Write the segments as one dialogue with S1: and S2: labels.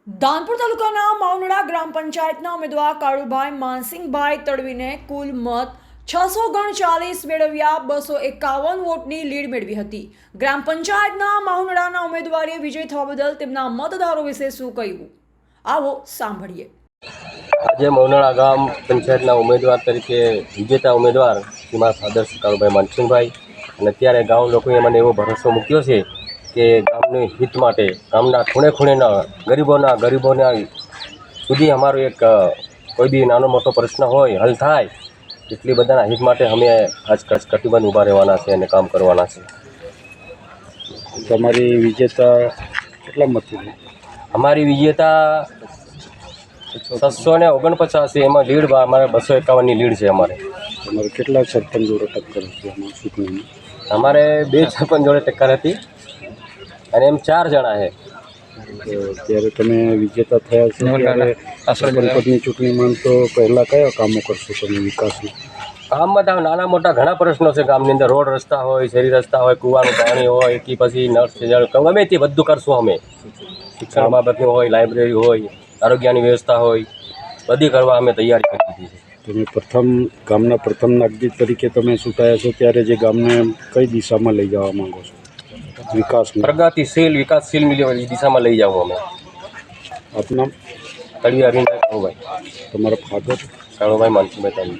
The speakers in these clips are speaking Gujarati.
S1: ધાનપુર તાલુકાના માવનડા ગ્રામ પંચાયતના ઉમેદવાર કાળુભાઈ માનસિંહભાઈ તડવીને કુલ મત 639 મેળવ્યા 251 વોટની લીડ મેળવી હતી। ગ્રામ પંચાયતના માવનડાના ઉમેદવારે વિજય થવા બદલ તેમના મતદારો વિશે શું કહ્યું, આવો સાંભળીએ।
S2: આજે માવનડા ગામ પંચાયતના ઉમેદવાર તરીકે વિજેતા ઉમેદવાર શ્રીમાન આદર્શ કાળુભાઈ માનસિંહભાઈ અને અત્યારે ગામ લોકોએ મને એવો ભરોસો મૂક્યો છે કે ગામની હિત માટે ગામના ખૂણે ખૂણેના ગરીબોના સુધી અમારો એક કોઈ બી નાનો મોટો પ્રશ્ન હોય હલ થાય એટલી બધાના હિત માટે અમે આજ કટિબંધ ઊભા રહેવાના છે અને કામ કરવાના છે।
S3: તમારી વિજેતા કેટલા મતથી?
S2: અમારી વિજેતા 649 છે, એમાં લીડ અમારે 251ની લીડ છે।
S3: તમારે કેટલા સરપંચ જોડે ટક્કર હતી આમાં ચૂંટણીમાં?
S2: અમારે 2 સરપંચ જોડે ટક્કર હતી અને એમ 4 જણા છે।
S3: ત્યારે તમે વિજેતા થયા છો ત્યારે સરપંચ પદની ચૂંટણીમાં તો પહેલાં કયા કામો કરશો તમે વિકાસના?
S2: ગામમાં તો નાના મોટા ઘણા પ્રશ્નો છે ગામની અંદર, રોડ રસ્તા હોય, શેરી રસ્તા હોય, કૂવાનું પાણી હોય કે પછી નળ છે જળ ગમે તે બધું કરશું અમે। શિક્ષણ બાબતનું હોય, લાઇબ્રેરી હોય, આરોગ્યની વ્યવસ્થા હોય, બધી કરવા અમે તૈયારી કરી દીધી છે।
S3: તમે ગામના પ્રથમ નાગરિક તરીકે તમે ચૂંટાયા છો ત્યારે જે ગામને કઈ દિશામાં લઈ જવા માંગો છો?
S2: પ્રગતિશીલ વિકાસશીલ દિશામાં લઈ જાવ અમે।
S3: આપના
S2: તળિયા અરવિંદ કાળુભાઈ,
S3: તમારા ફાધર?
S2: કાળુભાઈ માનસિંહભાઈ।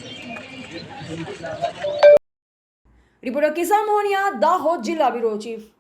S1: રિપોર્ટર કિસાન મોહનિયા, દાહોદ જિલ્લા બ્યુરો ચીફ।